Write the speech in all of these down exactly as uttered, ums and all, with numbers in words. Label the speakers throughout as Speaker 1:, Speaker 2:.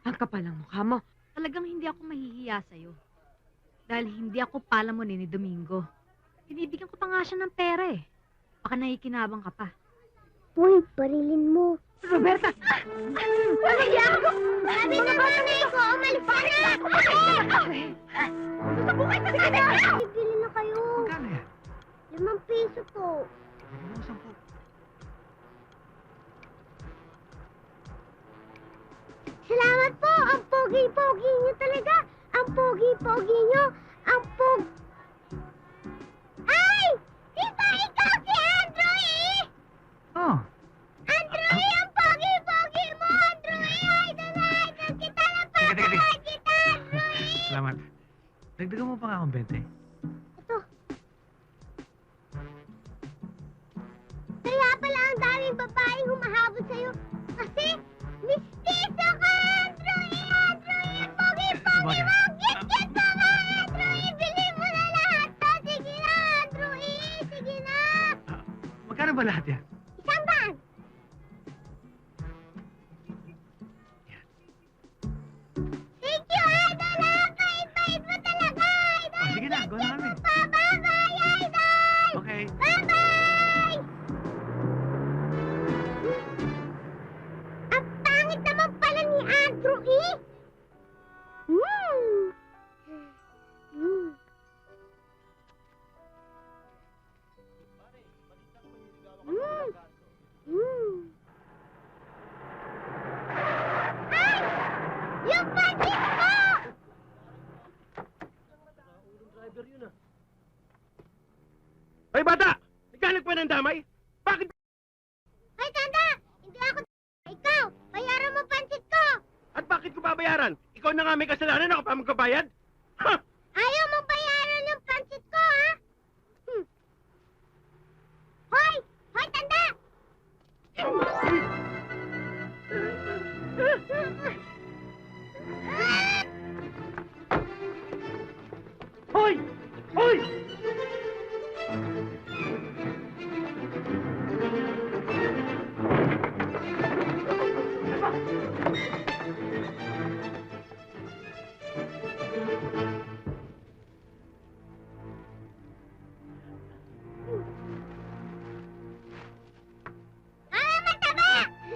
Speaker 1: Ang kapal ng mukha mo.
Speaker 2: Talagang hindi ako mahihiya sa'yo. Dahil hindi ako pala mo ni Domingo. Binibigyan ko pa nga siya ng pera eh. Baka nakikinabang ka pa.
Speaker 3: Uy, barilin mo.
Speaker 1: Roberta!
Speaker 3: Wala ako! Sabi ng nanay ko, umalis ka na!
Speaker 1: Susabukay ka na!
Speaker 3: Bibili na kayo.
Speaker 4: Magkano yan?
Speaker 3: Limang piso po.
Speaker 4: Ano mo sampu?
Speaker 3: Salamat po! Ang pogi-pogi niyo talaga! Ang pogi-pogi niyo! Ang pog... Ay! Di ba ikaw si Andrew eh?
Speaker 4: Oh,
Speaker 3: Andrew eh! Ang pogi-pogi mo! Andrew eh! Idol na idol kita na
Speaker 4: Teka, teka, teka.
Speaker 3: papakay kita! Andrew eh!
Speaker 4: salamat. Dagdagan mo pa nga akong bente.
Speaker 3: Ito. Kaya pala ang daming babaeng humahabol sa'yo. Kasi, mistiso ka, Andrew eh! Andrew eh! Pogi-pogi
Speaker 4: Sabagay.
Speaker 3: mo! Git-git mo nga, Andrew eh! Bili mo na lahat to! Sige na, Andrew eh! Sige na!
Speaker 4: Ah, magkano ba lahat yan?
Speaker 3: Isang bag! Thank you, Idol! ah! Bait-bait mo talaga, Idol!
Speaker 4: Oh, sige na, go na kami.
Speaker 3: Pa, bye-bye, Idol!
Speaker 4: Okay.
Speaker 3: Bye-bye! Ang pangit naman pala ni Andrew eh! Hmm. Hmm. Hmm. Hmm. Ay! Yung budget ko!
Speaker 5: Hoy bata! Naghanap pa ng damay? Bakit?
Speaker 3: Hoy, tanda! Hindi ako ikaw! Bayaran mo pansit ko!
Speaker 5: At bakit ko babayaran? Ikaw na nga may kasalanan, ako pa magkabayad? Ha!
Speaker 3: Ayaw mo bayaran yung pansit ko, ha? Hmm. Hoy! Hoy, tanda!
Speaker 5: Hoy! Hoy!
Speaker 3: Ah, mataba!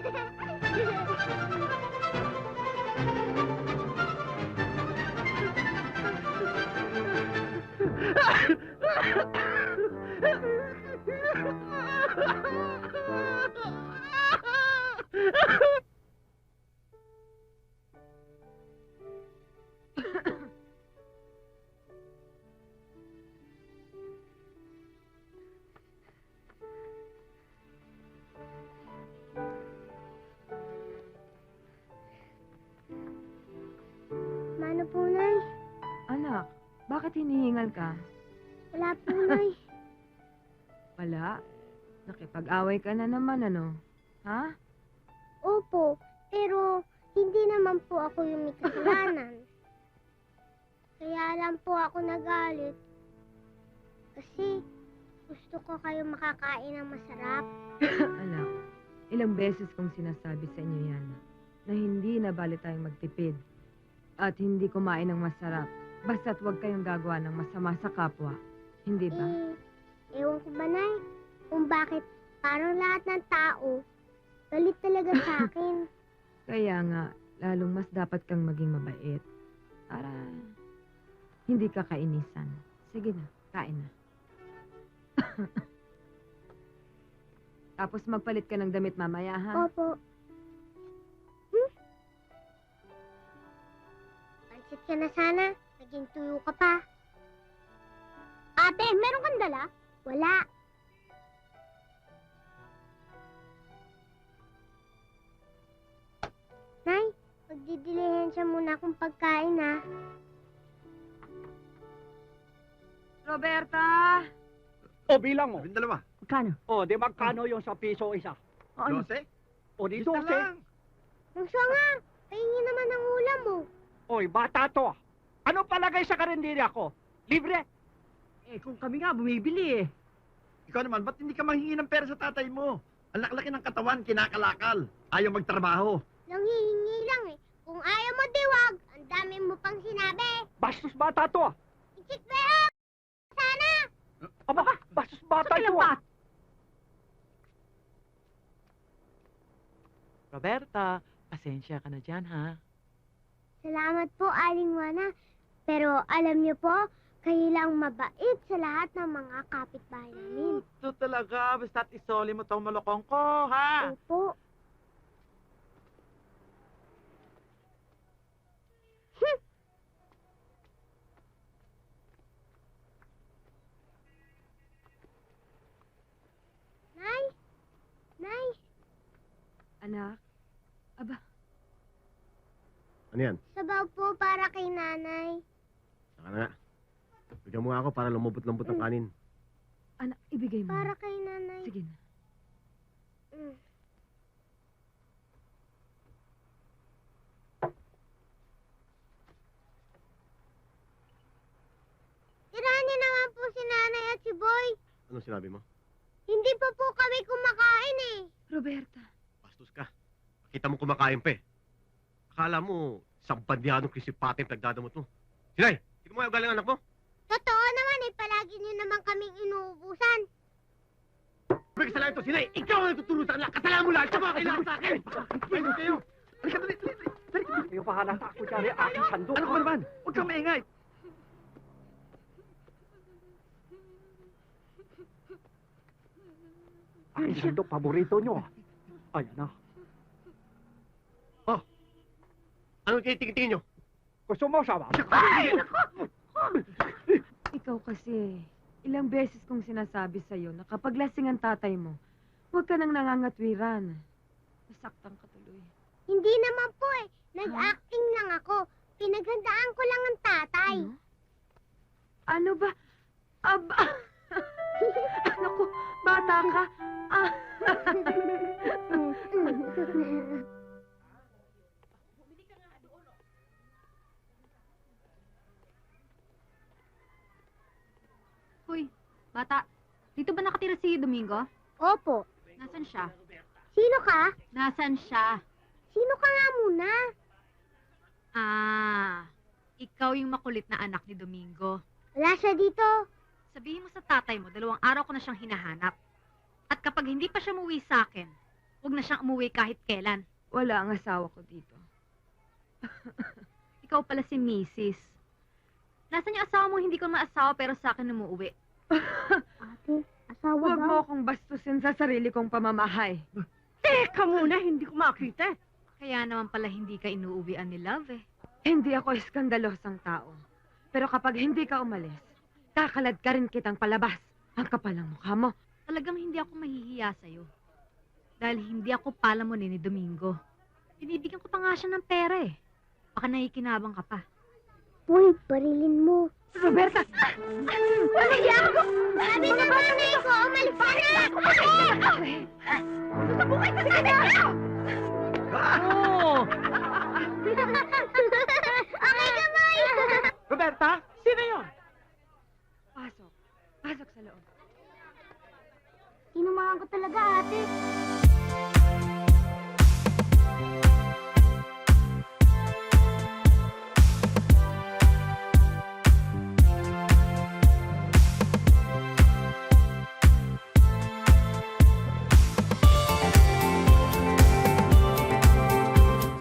Speaker 3: Mano po, Nay?
Speaker 1: Anak, bakit hinihingal ka?
Speaker 3: Wala po, Nay.
Speaker 1: Wala. Nakipag-away ka na naman, ano? Ha?
Speaker 3: Opo, pero hindi naman po ako yung may kasalanan. Kaya lang po ako nagalit. Kasi gusto ko kayo makakain ng masarap.
Speaker 1: Anak, ilang beses kong sinasabi sa inyo yan na hindi na bali tayong magtipid at hindi kumain ng masarap basta't huwag kayong gagawa ng masama sa kapwa. Hindi ba?
Speaker 3: Eh, ewan ko ba, Nay, kung bakit parang lahat ng tao galit talaga sa akin.
Speaker 1: Kaya nga, lalong mas dapat kang maging mabait para hindi ka kainisan. Sige na, kain na. Tapos magpalit ka ng damit mamaya, ha?
Speaker 3: Opo. Hmm? Pansit ka na sana. Naging tuyo ka pa. Ate, meron kang dala? Wala. Nay, magdidilihan muna akong pagkain, ha?
Speaker 1: Roberta!
Speaker 5: O bilang mo.
Speaker 4: Yung dalawa.
Speaker 1: Magkano?
Speaker 5: O, di magkano yung sa piso isa?
Speaker 1: Ano?
Speaker 4: Dose?
Speaker 5: O di
Speaker 4: Isa
Speaker 5: dose.
Speaker 4: lang.
Speaker 3: Nang siya nga, pahingi naman ng ulam mo.
Speaker 5: Oy, bata to. Ano palagay sa karinderya ko? Libre?
Speaker 1: Eh, kung kami nga bumibili eh.
Speaker 4: Ikaw naman, ba't hindi ka manghingi ng pera sa tatay mo? Ang laki ng katawan, kinakalakal. Ayaw magtrabaho.
Speaker 3: Nanghihingi lang eh. Kung ayaw mo dami mo pang sinabi.
Speaker 6: Bastos bata to ah.
Speaker 3: Ikikbeo! Sana!
Speaker 6: Aba ka, bastos bata
Speaker 2: Sa
Speaker 6: ito ah.
Speaker 2: kilapat.
Speaker 7: Roberta, pasensya ka na dyan, ha?
Speaker 3: Salamat po, Aling Juana. Pero alam niyo po, kayo lang mabait sa lahat ng mga kapitbahay namin.
Speaker 7: Ito talaga, basta't isoli mo tong malokong ko, ha?
Speaker 3: Opo. Nay? Nay?
Speaker 1: Anak, aba,
Speaker 4: Ano yan?
Speaker 3: Sabaw po para kay nanay.
Speaker 4: Saka na nga. Bigyan mo nga ako para lumubot-lambot ng kanin.
Speaker 1: anak, ibigay mo.
Speaker 3: Para kay nanay.
Speaker 1: Sige na.
Speaker 3: Mm. Tirahan niyo naman po si nanay at si Boy.
Speaker 4: Anong sinabi mo?
Speaker 3: Hindi pa po kami kumakain eh.
Speaker 1: Roberta,
Speaker 4: Bastos ka. Kita mo kumakain pa eh. Akala mo, isang bandyanong kisipate yung nagdadamot mo. Sinay, tignan mo yung galing anak mo.
Speaker 3: Totoo naman eh, palagi niyo naman kaming inuubusan.
Speaker 4: May kasalanan ito, Sinay! Ikaw ang nagtuturo sa kanila! Kasalanan mo lahat! Siya mga kailangan sa akin! Ayun kayo! Halika, dali, dali, dali!
Speaker 6: Yung pahalata ako dyan ay aking sandok.
Speaker 4: Ano ka ba naman? Huwag kang maingay!
Speaker 6: Aking sandok, paborito nyo ah. Ayan na.
Speaker 4: Oh! Anong tinitingin nyo?
Speaker 6: Gusto mo sama?
Speaker 1: ikaw kasi, ilang beses kong sinasabi sa'yo na kapag lasing ang tatay mo, huwag ka nang nangangatwiran. Nasaktan ka tuloy.
Speaker 3: Hindi naman po eh, nag-acting lang ako. Pinaghandaan ko lang ang tatay.
Speaker 1: Ano? Ano ba? Aba! Ano ko, bata ka? Ah.
Speaker 2: Hoy, bata, dito ba nakatira si Domingo?
Speaker 3: Opo.
Speaker 2: Nasaan siya?
Speaker 3: Sino ka?
Speaker 2: Nasaan siya?
Speaker 3: Sino ka nga muna?
Speaker 2: Ah, ikaw yung makulit na anak ni Domingo.
Speaker 3: Wala siya dito.
Speaker 2: Sabihin mo sa tatay mo, dalawang araw ko na siyang hinahanap. At kapag hindi pa siya umuwi sa akin, huwag na siyang umuwi kahit kailan.
Speaker 1: Wala ang asawa ko dito.
Speaker 2: Ikaw pala si Missus Nasaan yung asawa mo hindi ko maasawa pero sa akin umuwi?
Speaker 3: Ate, asawa
Speaker 1: Huwag mo
Speaker 3: daw.
Speaker 1: akong bastusin sa sarili kong pamamahay.
Speaker 6: Teka muna, hindi ko makita.
Speaker 2: Kaya naman pala hindi ka inuuwian ni Love eh.
Speaker 1: Hindi ako iskandalosang tao. Pero kapag hindi ka umalis, kakalad ka rin kitang palabas. Ang kapal ng mukha mo.
Speaker 2: Talagang hindi ako mahihiya sa'yo. Dahil hindi ako palamon ni Domingo. Binibigyan ko pa nga siya ng pera eh. Baka nakikinabang ka pa.
Speaker 3: Uy, barilin mo.
Speaker 1: Roberta!
Speaker 3: Wala ako! Sabi na nanay ko, umalis ka na! Susabukay ka sa kanya!
Speaker 7: Oh!
Speaker 3: Okay ka, Boy!
Speaker 7: Roberta, sino yun?
Speaker 1: Pasok. Pasok sa loob.
Speaker 3: Tinumahan ko talaga, ate.